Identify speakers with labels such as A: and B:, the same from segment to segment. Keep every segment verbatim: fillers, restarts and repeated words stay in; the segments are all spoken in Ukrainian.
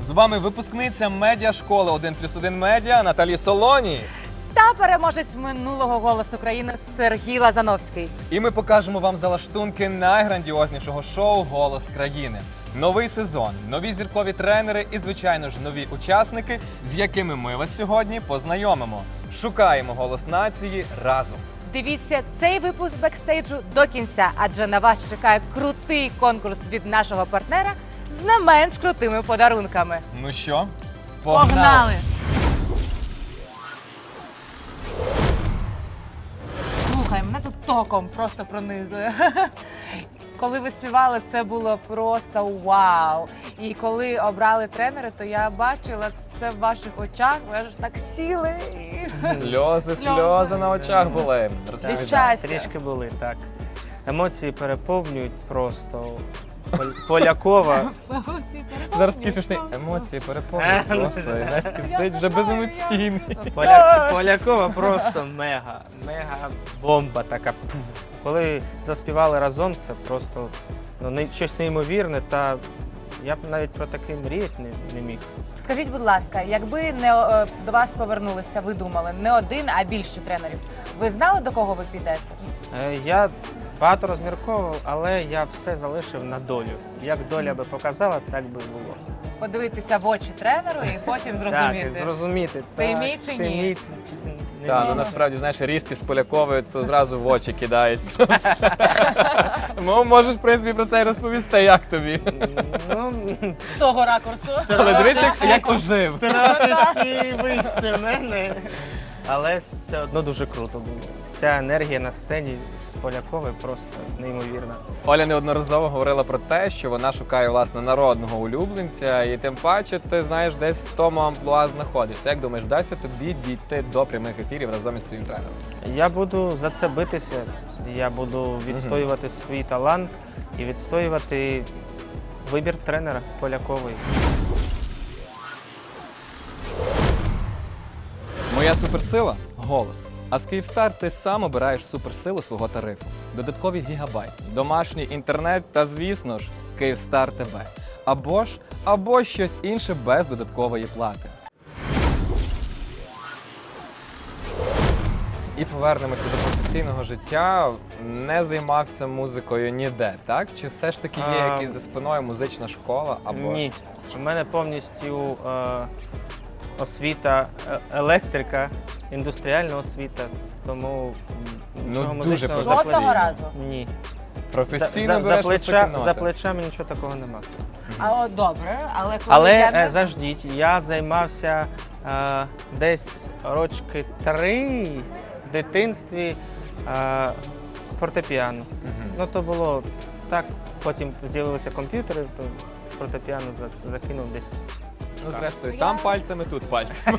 A: З вами випускниця медіашколи один плюс один медіа Наталі Солоні.
B: Та переможець минулого «Голосу країни» Сергій Лазановський.
A: І ми покажемо вам залаштунки найграндіознішого шоу «Голос країни». Новий сезон, нові зіркові тренери і, звичайно ж, нові учасники, з якими ми вас сьогодні познайомимо. Шукаємо голос нації разом.
B: Дивіться цей випуск бекстейджу до кінця, адже на вас чекає крутий конкурс від нашого партнера з не менш крутими подарунками.
A: Ну що,
B: Погнали!
A: погнали!
B: Слухай, мене тут током просто пронизує. Коли ви співали, це було просто вау. І коли обрали тренери, то я бачила це в ваших очах, ви аж так сіли.
A: Сльози, сльози на очах були. Розповідай.
B: щастя.
C: Трішки були, так. Емоції переповнюють просто. Пол- Полякова.
A: Зараз такі смішні емоції переповнюють просто. І, знаєш, такий сидить вже беземоційний.
C: Поля... Полякова просто мега. Мега бомба така. Пф. Коли заспівали разом, це просто ну, не- щось неймовірне, та я б навіть про таке мріяти не, не міг.
B: Скажіть, будь ласка, якби не е, до вас повернулися, ви думали, не один, а більше тренерів, ви знали, до кого ви підете?
C: Е, Я багато розмірковував, але я все залишив на долю. Як доля би показала, так би і було.
B: Подивитися в очі тренеру і потім зрозуміти.
C: Так, зрозуміти.
B: Ти
C: так,
B: мій чи
C: ти
B: ні?
C: мій чи ти не
A: Так,
C: мій.
A: ну насправді, знаєш, ріст із Поляковою, то зразу в очі кидається. Ну, можеш, в принципі, про це і розповісти, як тобі.
C: Ну,
B: З того ракурсу.
A: Але дивись, як, як ожив.
C: трошечки вище мене. Але все одно дуже круто було. Ця енергія на сцені з Поляковою просто неймовірна.
A: Оля неодноразово говорила про те, що вона шукає, власне, народного улюбленця, і тим паче, ти, знаєш, десь в тому амплуа знаходишся. Як думаєш, вдасться тобі дійти до прямих ефірів разом із своїм тренером?
C: Я буду за це битися, я буду відстоювати свій талант і відстоювати вибір тренера Полякової.
A: Моя суперсила – голос. А з Київстар ти сам обираєш суперсилу свого тарифу. Додаткові гігабайти, домашній інтернет та, звісно ж, Київстар ТВ. Або ж, або щось інше без додаткової плати. І повернемося до професійного життя. Не займався музикою ніде, так? Чи все ж таки є
C: А,
A: якась за спиною музична школа? Або
C: Ні, у мене повністю е, освіта е, електрика, індустріальна освіта, тому м, нічого
A: дуже
C: музичного
A: професійно.
C: за
B: Жодного
C: плечі-
B: разу.
C: Ні.
A: професійно
C: за, за,
A: береш
C: плеча,
A: високі
C: за
A: ноти?
C: плечами нічого такого нема.
B: А от добре, але коли
C: Але
B: я
C: е,
B: не...
C: заждіть, я займався е, десь рочки три в дитинстві е, фортепіано.
A: Мгм.
C: Ну то було так, потім з'явилися комп'ютери, то фортепіано за- закинув десь.
A: Ну, зрештою,
B: Я-
A: там пальцями, тут пальцями.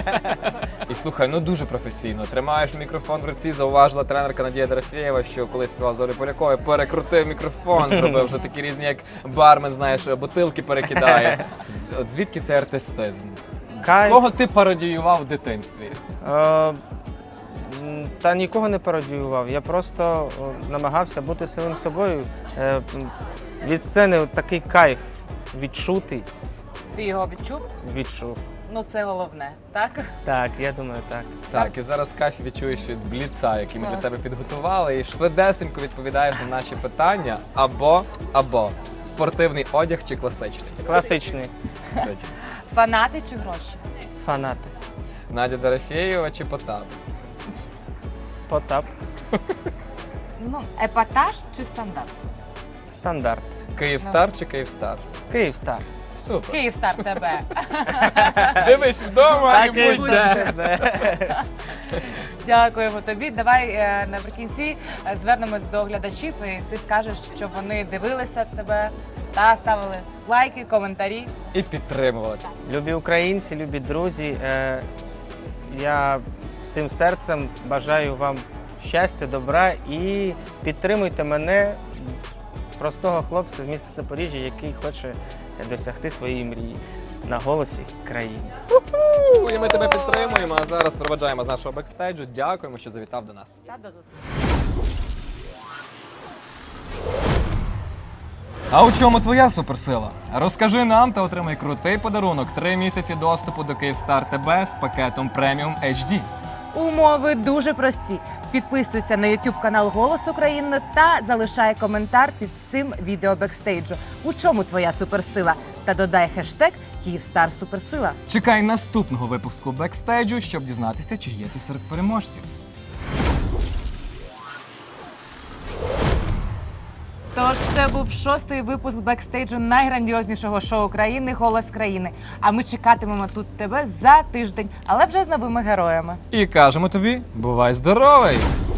A: І слухай, ну дуже професійно. Тримаєш мікрофон в руці, зауважила тренерка Надія Дорофєєва, що коли співав з Олею Поляковою, перекрутив мікрофон, зробив вже такі різні, як бармен, знаєш, бутилки перекидає. З- От звідки цей артистизм?
C: Кайф.
A: Кого ти пародіював в дитинстві?
C: Е, м, Та нікого не пародіював. Я просто о, намагався бути самим собою. Е, м, Від сцени от такий кайф відчути,
B: Ти його відчув?
C: відчув.
B: Ну це головне, так?
C: Так, я думаю, так.
A: Так, і зараз кайф відчуєш від бліца, який ми для
B: Так.
A: тебе підготували, і швидесенько відповідаєш на наші питання. Або, або спортивний одяг чи класичний?
C: Класичний
A: Кстати.
B: Фанати чи гроші?
C: фанати.
A: Надя Дорофєєва чи Потап?
C: Потап.
B: Ну, епатаж чи стандарт?
C: Стандарт.
A: Київстар чи Київстар?
C: Київстар.
A: Супер.
B: Київстар тебе.
A: Дивись вдома і будь де.
B: Дякуємо тобі. Давай е, наприкінці е, звернемось до глядачів, і ти скажеш, що вони дивилися тебе та ставили лайки, коментарі.
A: І підтримували.
C: Любі українці, любі друзі. Е, я всім серцем бажаю вам щастя, добра і підтримуйте мене, простого хлопця з міста Запоріжжя, який хоче досягти своєї мрії на голосі країни.
A: У, І ми тебе підтримуємо, а зараз проведжаємо з нашого бекстейджу. Дякуємо, що завітав до нас.
B: Та до зустрічі.
A: А у чому твоя суперсила? Розкажи нам та отримай крутий подарунок – три місяці доступу до Kyivstar ТБ з пакетом преміум ейч ді.
B: Умови дуже прості. Підписуйся на YouTube канал Голос України та залишай коментар під цим відео бекстейджу. У чому твоя суперсила? Та додай хештег Kyivstar Суперсила.
A: Чекай наступного випуску бекстейджу, щоб дізнатися, чи є ти серед переможців.
B: Тож це був шостий випуск бекстейджу найграндіознішого шоу країни «Голос країни». А ми чекатимемо тут тебе за тиждень, але вже з новими героями.
A: І кажемо тобі, бувай здоровий!